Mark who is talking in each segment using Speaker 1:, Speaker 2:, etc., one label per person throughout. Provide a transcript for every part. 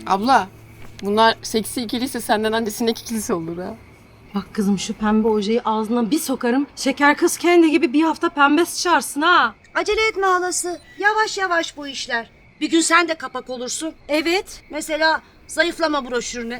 Speaker 1: Abla, bunlar seksi ikiliyse senden annesindeki ikilisi olur ha.
Speaker 2: Bak kızım şu pembe ojeyi ağzına bir sokarım. Şeker kız kendi gibi bir hafta pembe sıçarsın ha.
Speaker 3: Acele etme halası. Yavaş yavaş bu işler. Bir gün sen de kapak olursun.
Speaker 2: Evet.
Speaker 3: Mesela zayıflama broşürüne.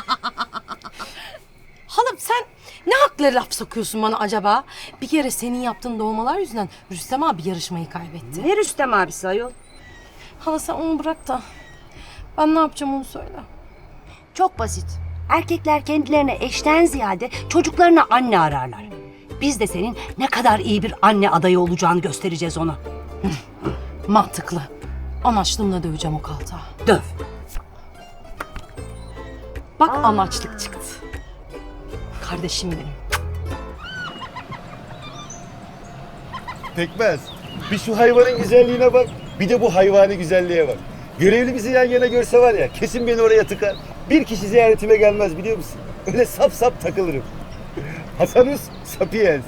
Speaker 2: Halam sen ne hakla laf sokuyorsun bana acaba? Bir kere senin yaptığın doğmalar yüzünden Rüstem abi yarışmayı kaybetti.
Speaker 3: Ne Rüstem abisi ayol?
Speaker 2: Hala sen onu bırak da ben ne yapacağım onu söyle.
Speaker 3: Çok basit. Erkekler kendilerine eşten ziyade çocuklarına anne ararlar. Biz de senin ne kadar iyi bir anne adayı olacağını göstereceğiz ona.
Speaker 2: Mantıklı. Anaçlığımla döveceğim o kaltağı.
Speaker 3: Döv.
Speaker 2: Bak anaçlık çıktı. Kardeşim benim.
Speaker 4: Pekmez. Bir şu hayvanın güzelliğine bak. Bir de bu hayvani güzelliğe bak. Görevli bizi yan yana görse var ya kesin beni oraya tıkar. Bir kişi ziyaretime gelmez biliyor musun? Öyle sap sap takılırım. Hasanus Sapiens.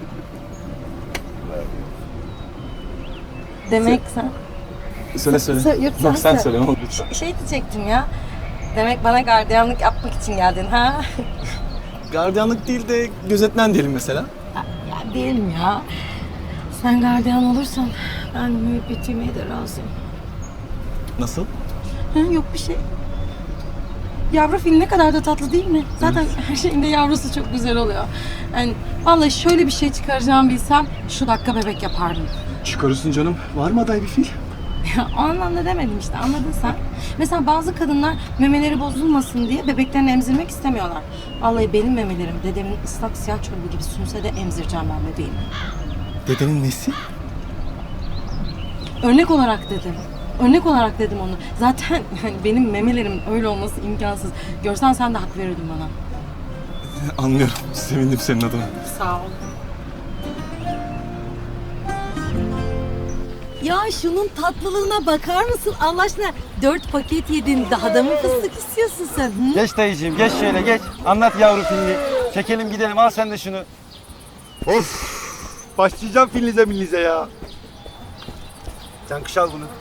Speaker 2: Demek sen...
Speaker 5: Söyle.
Speaker 2: Yok,
Speaker 5: Sen söyle ne olur.
Speaker 2: Şey diyecektim ya. Demek bana gardiyanlık yapmak için geldin ha?
Speaker 5: Gardiyanlık değil de gözetmen diyelim mesela.
Speaker 2: Ya değilim ya. Sen gardiyan olursan ben müebbet yemeye de razıyım.
Speaker 5: Nasıl?
Speaker 2: Ha, yok bir şey. Yavru fil ne kadar da tatlı değil mi? Zaten her şeyinde yavrusu çok güzel oluyor. Yani vallahi şöyle bir şey çıkaracağımı bilsem şu dakika bebek yapardım.
Speaker 5: Çıkarırsın canım. Var mı aday bir fil?
Speaker 2: Ya o anlamda demedim işte, anladın sen. Mesela bazı kadınlar memeleri bozulmasın diye bebeklerini emzirmek istemiyorlar. Vallahi benim memelerim dedemin ıslak siyah çorabı gibi sünse de emzireceğim ben bebeğimi.
Speaker 5: Dedenin nesi?
Speaker 2: Örnek olarak dedim. Örnek olarak dedim onu. Zaten yani benim memelerim öyle olması imkansız. Görsen sen de hak verirdin bana.
Speaker 5: Anlıyorum. Sevindim senin adına.
Speaker 2: Sağ ol. Ya şunun tatlılığına bakar mısın Allah aşkına? 4 paket yedin, daha da mı fıstık istiyorsun sen? Hı?
Speaker 4: Geç dayıcığım geç şöyle geç. Anlat yavru filmi. Çekelim gidelim al sen de şunu. Of. Başlayacağım filinize millize ya. Sen kış al bunu.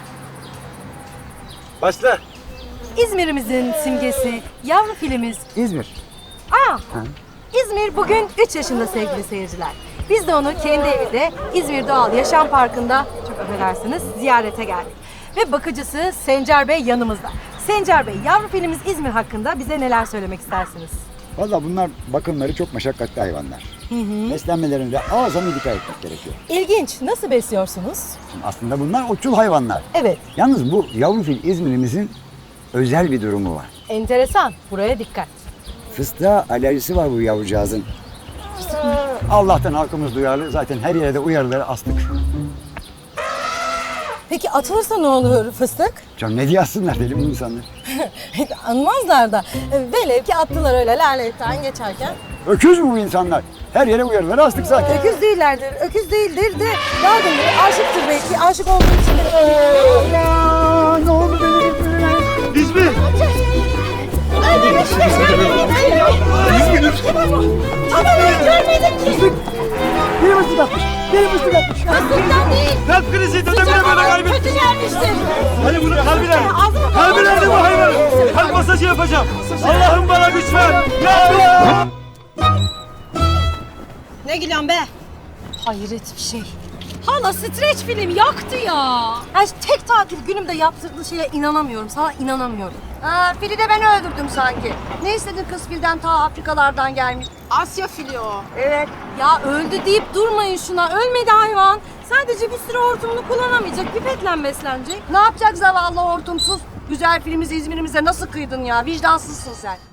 Speaker 4: Başla.
Speaker 2: İzmir'imizin simgesi, yavru filimiz.
Speaker 6: İzmir.
Speaker 2: İzmir bugün 3 yaşında sevgili seyirciler. Biz de onu kendi evinde İzmir Doğal Yaşam Parkı'nda, çok affedersiniz, ziyarete geldik. Ve bakıcısı Sencer Bey yanımızda. Sencer Bey, yavru filmimiz İzmir hakkında bize neler söylemek istersiniz?
Speaker 6: Valla bunlar bakımları çok meşakkatli hayvanlar. Beslenmelerine de azami dikkat etmek gerekiyor.
Speaker 2: İlginç. Nasıl besliyorsunuz?
Speaker 6: Aslında bunlar otçul hayvanlar.
Speaker 2: Evet.
Speaker 6: Yalnız bu yavru fil İzmir'imizin özel bir durumu var.
Speaker 2: Enteresan. Buraya dikkat.
Speaker 6: Fıstığa alerjisi var bu yavrucağızın. Allah'tan halkımız duyarlı. Zaten her yere de uyarıları astık.
Speaker 2: Peki atılırsa ne olur fıstık?
Speaker 6: Canım ne diye assınlar deli bu insanlar.
Speaker 2: Anmazlar da. Velev ki attılar öyle laletten geçerken.
Speaker 6: Öküz mü bu insanlar? Her yere uyarıları astık zaten.
Speaker 2: Öküz değillerdir. Öküz değildir de yardım aşıktır belki. Aşık olduğu için de.
Speaker 6: Ya ne oldu benim?
Speaker 4: İzmir.
Speaker 6: Biri fıstık atmış. Biri fıstık atmış.
Speaker 4: Kalp krizi dedemine böyle kaybettim. Kötü gelmiştir. Hani bunu kalbine. Kalbine bu hayvan. Kalp masajı yapacağım. Allah'ım bana güç ver. Ya Allah.
Speaker 2: Ne gülüyorsun be? Hayret bir şey. Hala streç film yaktı ya. Her tek tatil günümde yaptırdığı şeye inanamıyorum. Sana inanamıyorum.
Speaker 3: Fili de ben öldürdüm sanki. Ne istedin kız filden ta Afrikalardan gelmiş.
Speaker 2: Asya fili o.
Speaker 3: Evet.
Speaker 2: Ya öldü deyip durmayın şuna. Ölmedi hayvan. Sadece bir süre hortumunu kullanamayacak. Pipetle beslenecek.
Speaker 3: Ne yapacak zavallı hortumsuz? Güzel filmimize İzmir'imize nasıl kıydın ya? Vicdansızsın sen.